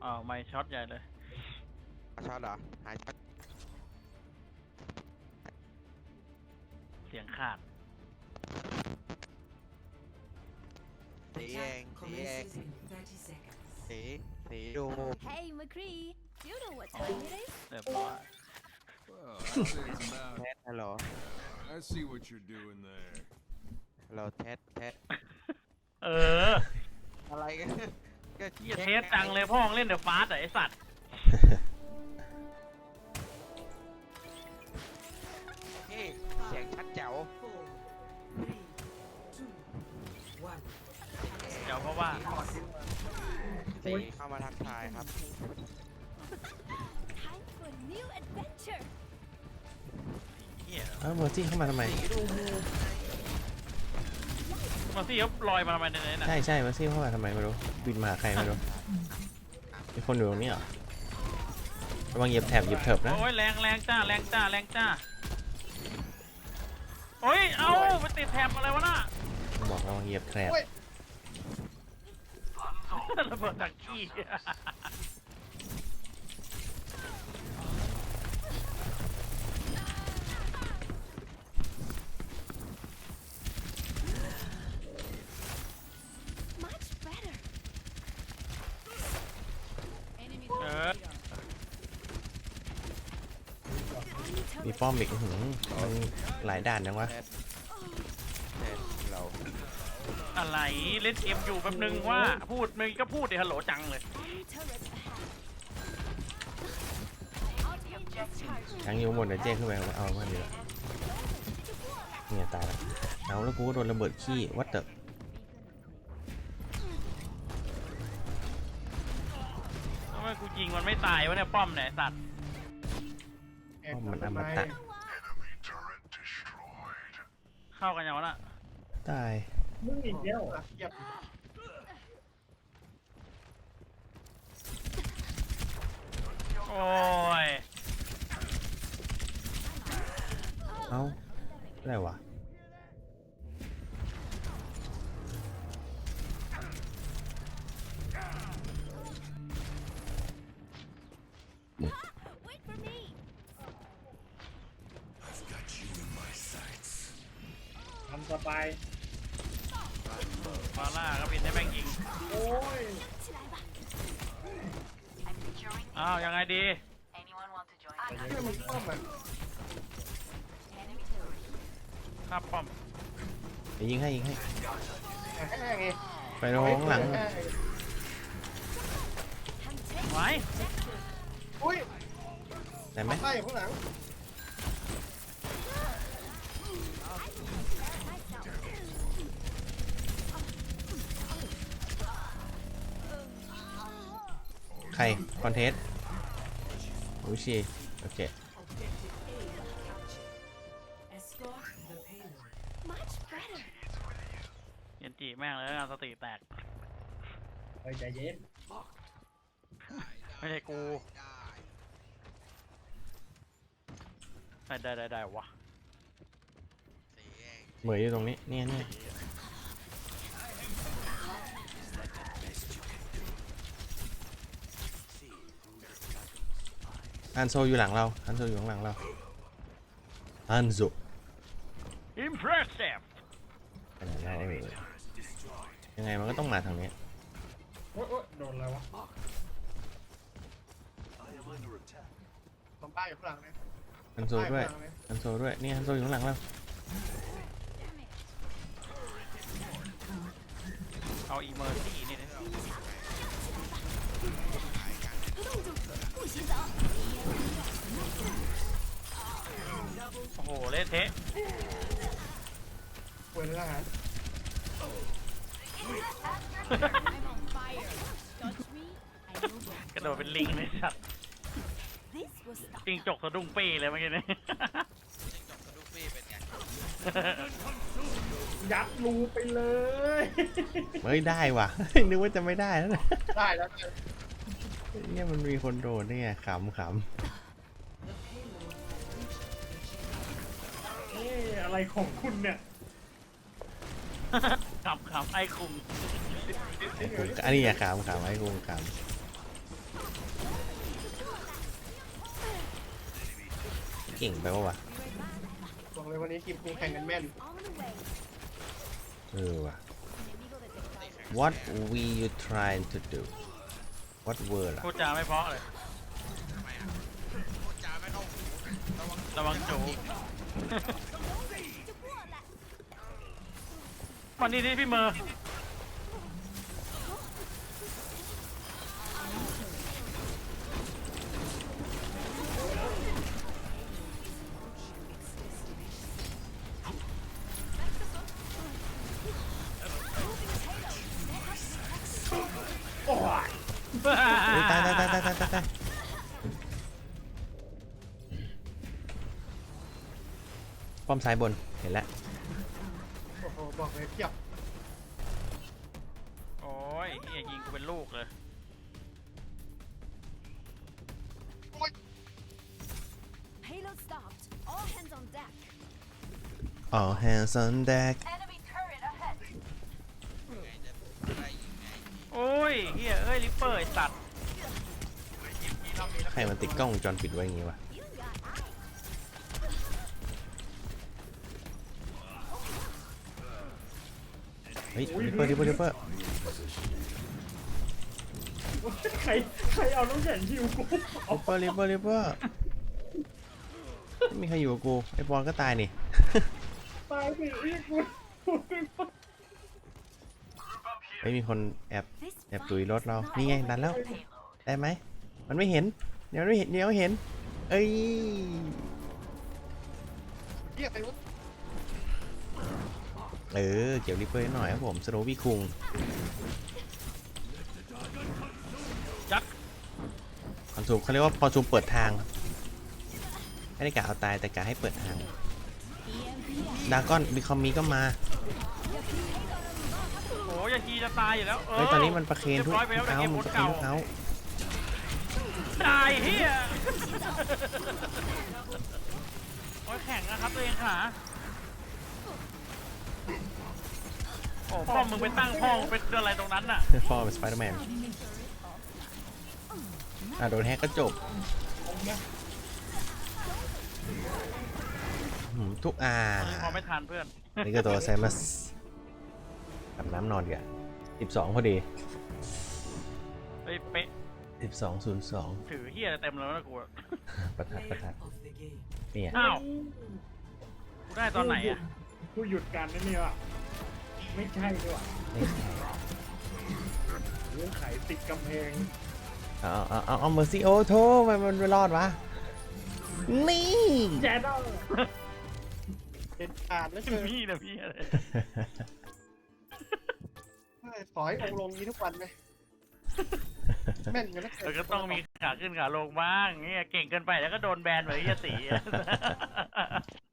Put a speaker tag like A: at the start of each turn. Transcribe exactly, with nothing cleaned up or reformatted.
A: อ้าวไม่ช็อตใหญ่เลย
B: ช็อตเหรอหายช็อต
A: เสียงขาด
B: สีเองสีเองสีสีดู
C: Hey, McCree. You know what time it is?
A: เรียบร้อย
D: Well, I'd say it's
B: แท
D: about.
B: สฮัลโหล
D: I see what you're doing there.
B: ฮัลโหลแทสแทส
A: เออ
B: อะไรกันก็
A: เหี้ยเทสจังเลยพ่อมึงเล่นเดอะฟาสต์ไอ้สัตว์
B: นี่เสียงชัดแจ๋ว
A: เดี๋ยวเพราะว่า
B: สีเข้ามาทักทายครับ
C: Time for a new adventure.
A: เหี้ย
E: เอ้าเมอร์ซี่เข้ามาทำไม
A: มาซี่เขาลอยมาทำไมในนั้นน่ะ
E: ใช่ใช่เมอร์ซี่เข้ามาทำไมไม่รู้บินมาหาใครไม่รู้มีคนอยู่ตรงนี้เหรอระวังเหยียบแถบเหยียบเถิบนะ
A: โอ้ยแรงแรงจ้าแรงจ้าแรงจ้าโอ้ยเอ้าไปติดแถบอะไรวะน่ะ
E: บอกระวังเหยียบแถบ
A: ระเบิดจากขี้
C: Much better.
A: เออ
E: มีป้อมอีกอื้อหือมันหลายด่านจังวะ
B: แทสแทสเรา
A: อะไรเล่นเกมอยู่แป๊บนึงว่าพูดมึงก็พูดดิฮัลโหลจังเลย
C: Enemy turret ahead. I'll take this charge.
E: ทั้งยูหมดเดี๋ยวเจ๊ขึ้นไปเอามาเดี๋ยวเนี่ยตายแล้วเอาแล้วกูก็โดนระเบิดขี้วัดเตอร์
A: ทำไมกูยิงมันไม่ตายวะเนี่ยป้อมเนี่ยไอ้สัตว์
E: ป้อมมันอมตะ
A: เข้ากันยังวะน่ะ
E: ตาย
F: มึงอีกแล้วอ่ะเหยียบ
A: โอ้ย
E: เอ้าอะไรวะ
C: Wait for me.
F: ทำสบาย
A: ฟาร่าก็บินให้แม่งยิง
F: โอ้ย
C: 起来吧。
A: อ้าวยังไงดี
F: เชื่อมึงป้อมอ่ะ
A: ครับป้อม
E: เดี๋ยวยิงให้ยิงให้
F: แห้งไง
E: ไปโรงหลัง
A: ไว้
F: อุ้ย
E: ได้ไหม
F: ไล่ข้างหลัง
E: ใครคอนเทสอูชีโอเค
C: Much better.
A: เย็นจีแม่งเลยงานสติแตก
F: เฮ้ยใจเย็น
A: ไม่ใช่กูได้ได้ได้ได้วะ
B: สีเอง
E: เหมยอยู่ตรงนี้เนี่ยเนี่ยอันโซอยู่หลังเราอันโซอยู่ข้างหลังเราอันโซ
A: impressive
E: ขนาดได้ไม่เลยยังไงมันก็ต้องมาทางนี้
F: โอ้ยโอ้ยโดนอะไรวะผมป้ายอยู่ข้างหลังเลย
E: อันโซด้วยอันโซด้วยนี่อันโซอยู่ข้างหลังเรา
A: เอาอีเมอร์ซี่นี่นะ
C: 不许走。
A: โอ้โหเล่นเทะ
F: ป่วยเลยทหาร
C: I'm on fire. Touch me, I will go.
A: กระโดดเป็นลิงเลยสัตว์
C: This was the
A: จิงจกสะดุ้งปี้เลยเมื่อกี้นี้
B: จิ้งจกกระดูกปี้เป็นไง
F: ยัดรูไปเลย
E: เฮ้ยได้ว่ะ นึกว่าจะไม่ได้แล้วนะ
F: ได้แล้ว
E: เนี่ยมันมีคนโดนนี่ไงขำข
F: เอ๊ะอะไรของคุณเนี่ย
A: ขับขับไอ้คุม
E: ำไอ้กูอันนี้อย่าขำขำไอ้กูขำเก่งไปปะวะ
G: บอกเลยวันนี้ทีมกูแข่งกันแม่น
C: On the way.
E: เออว่ะ
C: Enemigo detectado.
E: What we you trying to do What word ล่ะ
A: พูดจาไม่เพราะเลย
B: ทำไมอ่ะพูดจาไม่เข้าหูระวัง
A: ระวังจู
C: To war that.
A: วันนี้ที่พี่เมอร์
F: โอ้ย
E: อุ๊ยตายตายตายตายตายตายตายป้อมซ้ายบน เห็นแล้ว
G: โอ้โหบอกเลยเพียบ
A: โอ้ยเฮียยิงกูเป็นลูกเลย
C: Payload stopped. All hands on deck.
E: All hands on deck
C: Enemy turret ahead.
B: ไงจะได้ยิงไง
A: โอ้ยเฮียเอ้ยลิปเปอร์ไอ้สัตว์
E: ใครมันติดกล้องวงจรปิดไว้อย่างงี้วะ
C: You got eyes.
E: เฮ้ยดิปเปอร์ดิปเปอร์ดิปเปอร์
F: ใครใครเอาน้ำแข็งฮิวกูเอา
E: ดิปเปอร์ดิปเปอร์ดิปเปอร์ไม่มีใครอยู่กับกู ไอ้บอลก็ตายนี่
F: ตายสิอีกกูกู
E: ไม่มีคนแอบ
C: This
E: แอบ
C: fight
E: ตุยรถ
C: is
E: เรา
C: not
E: นี่ไง
C: over
E: ดันแล้ว
C: with payload.
E: ได้ไหม มันไม่เห็น เดี๋ยวไม่เห็น เดี๋ยวเห็น เอ้ย
G: เพียบไปวะ
E: เออ เก็บริปเปอร์หน่อยครับผมสโนวี่คุง
A: ยัด
E: คอนซูมเขาเรียกว่าคอนซูมเปิดทาง ไม่ได้กะเอาตายแต่กะให้เปิดทาง ดากอนบิคอมมีก็มา
A: โอ้ยยาทีจะตายอยู่แล้วเออ
E: เฮ้ย ตอนนี้มันประเคนทุก
A: เรียบร้อยไปแล้ว
E: ทุก
A: แต่
E: เอา
A: เกม
E: มั
A: โคน ต
E: ประ
A: ร
E: เคน
A: เก่า
E: ทุกเอา
A: ตายเฮียโอ้ยแข่งนะครับตัวเองค่ะโอ้พ่อมึงไปตั้งพ่อมึงเป็นอะไรตรงนั้นน่ะ
E: พ่อเป็นสไปเดอร์แมน อ่ะโดนแฮกก็จบหืมทุกอ่า
A: พอไม่ทันเพื่อน
E: นี่ก็ตัวไซมัสอาบน้ำนอนดีกว่าสิบสองพอดี
A: เฮ้ยเป๊ะ
E: สิบสองศูนย์สอง
A: ถือเฮียเต็มแล้วนะกูอะ
E: ประทัดประทัดเนี่ย
A: อ้าวกูได้ตอนไหนอ่ะ
F: กูหยุดการนั่นนี่ว่ะไม่ใช่ด้วยว่ะ
E: ไม่ใช่
F: เรื่องไขติดกำแพง
E: เอาเอาเอาเอาเมอร์ซี่โอโทมันมันไม่รอดวะ นี่
F: แจดอล
G: เป็นขาดแล้วเกิน
A: พี่นะพี่อะไร
G: ขอให้องค์ลงนี้ทุกวันไหมแม่นกันแล้ว
A: เราก็ต้องมีขาขึ้นขาลงบ้างเงี้ยเก่งเกินไปแล้วก็โดนแบนเหมือนไอ้เหี้ยตีอะ